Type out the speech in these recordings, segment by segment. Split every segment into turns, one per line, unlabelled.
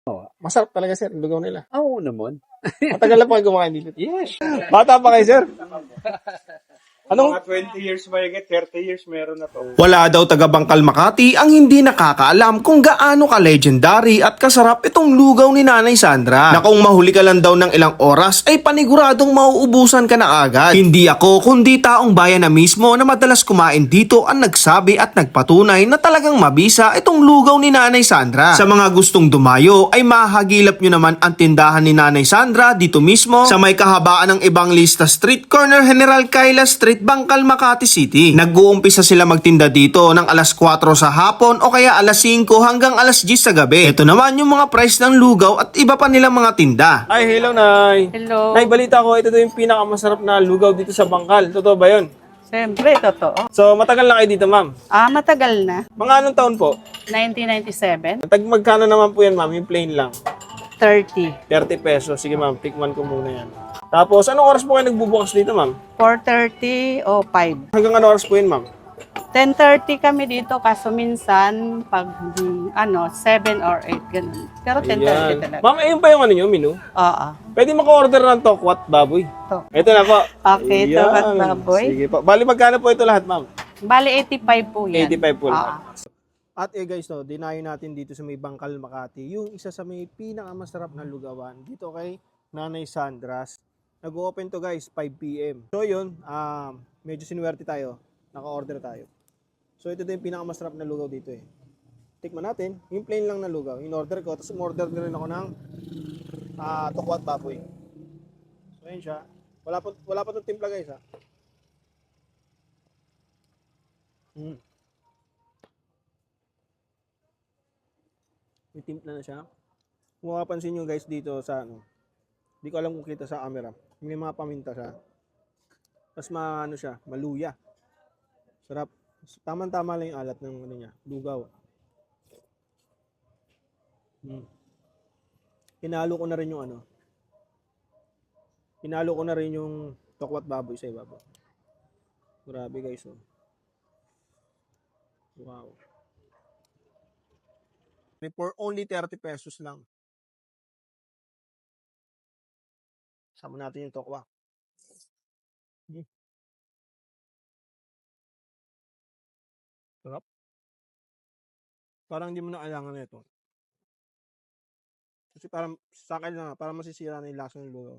Masarap talaga, sir, yung lugaw nila.
Oo naman.
Matagal na po kayo kumakain dito.
Yes.
Bata pa kayo, sir. Anong
Mga 20 years mahigit, 30 years meron na to.
Wala daw taga Bangkal Makati ang hindi nakakaalam kung gaano ka-legendary at kasarap itong lugaw ni Nanay Sandra. Na kung mahuli ka lang daw ng ilang oras ay paniguradong mauubusan ka na agad. Hindi ako kundi taong bayan na mismo na madalas kumain dito ang nagsabi at nagpatunay na talagang mabisa itong lugaw ni Nanay Sandra. Sa mga gustong dumayo ay mahagilap nyo naman ang tindahan ni Nanay Sandra dito mismo sa may kahabaan ng Evangelista Street, corner General Kaila Street, Bangkal, Makati City. Nag-uumpisa sila magtinda dito ng alas 4 sa hapon o kaya alas 5 hanggang alas 10 sa gabi. Ito naman yung mga price ng lugaw at iba pa nilang mga tinda. Ay, hello, Nay.
Hello.
Nay, balita ko, ito yung pinakamasarap na lugaw dito sa Bangkal. Totoo ba yun?
Siyempre, totoo.
So, matagal na kayo dito, ma'am.
Matagal na.
Mga anong taon po?
1997,
Magkano naman po yan, ma'am? Yung plain lang.
30.
30 pesos. Sige, ma'am. Tikman ko muna yan. Tapos, anong oras po kayo nagbubukas dito, ma'am?
4:30 o 5.
Hanggang anong oras po yun, ma'am?
10:30 kami dito, kaso minsan, pag 7 or 8, ganun. Pero 10:30
Ayan.
talaga.
Ma'am, ayun pa yung ano nyo, menu?
Oo.
Pwede maka-order ng tokwat baboy.
To.
Ito na po.
Okay,
Ayan.
tokwat baboy.
Sige po. Bali, magkano po ito lahat, ma'am?
Bali, 85 po yan.
85 po
Oo.
lahat. At guys, no, dinayo natin dito sa may Bangkal, Makati, yung isa sa may pinakamasarap na lugawan dito kay Nanay Sandra's. Nag-open to guys, 5 p.m. So yun, medyo sinuwerte tayo. Naka-order tayo. So ito din yung pinakamasarap na lugaw dito eh. Tikman natin, yung plain lang na lugaw. In-order ko, tapos umorder na rin ako ng tokwat baboy. So yun siya. Wala pa itong timpla guys ha. May timpla na siya. Kung makapansin nyo guys dito sa hindi ko alam kung kita sa camera. May mga paminta siya. Tapos siya, maluya. Sarap. Tama-tama lang yung alat ng niya, lugaw. Hinalo ko na rin yung Hinalo ko na rin yung tokwat baboy sa ibabaw. Grabe guys, oh. Wow. For only 30 pesos lang. Sama natin yung tokwa. Sarap. Parang hindi mo na kailangan na ito. Kasi parang sa akin lang, parang masisira na yung lasa ng lugaw.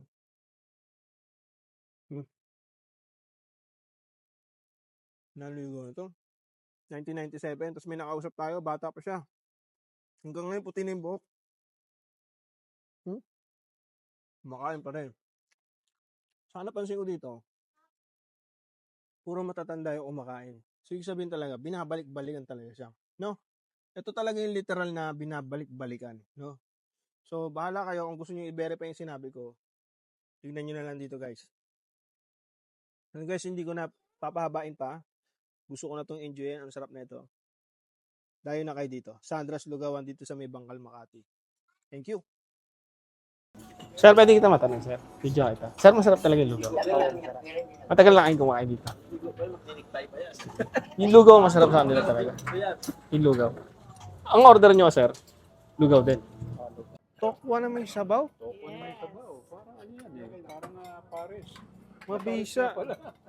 Nalugaw na ito. 1997, tapos may nakausap tayo, bata pa siya. Hanggang ngayon, puti na yung buhok. Makain pa rin. Sana pansin ko dito, puro matatanda yung kumakain. So, ibig sabihin talaga, binabalik-balikan talaga siya. No? Ito talaga yung literal na binabalik-balikan. No? So, bahala kayo kung gusto nyo i-verify yung sinabi ko. Tignan nyo na lang dito, guys. And guys, hindi ko na papahabain pa. Gusto ko na itong enjoyin. Ang sarap na ito. Dayo na kayo dito. Sandra's Lugawan dito sa may Bangkal, Makati. Thank you. Sir, pwede kita matanong, sir. Video kita. Sir, masarap talaga yung lugaw. Matagal lang kayo kumakain dito. Yung lugaw, masarap sa kanila talaga. Yung lugaw. Ang order nyo, sir, lugaw din. Tokwa na may sabaw?
Parang ano yan eh, parang pares.
Mabisa.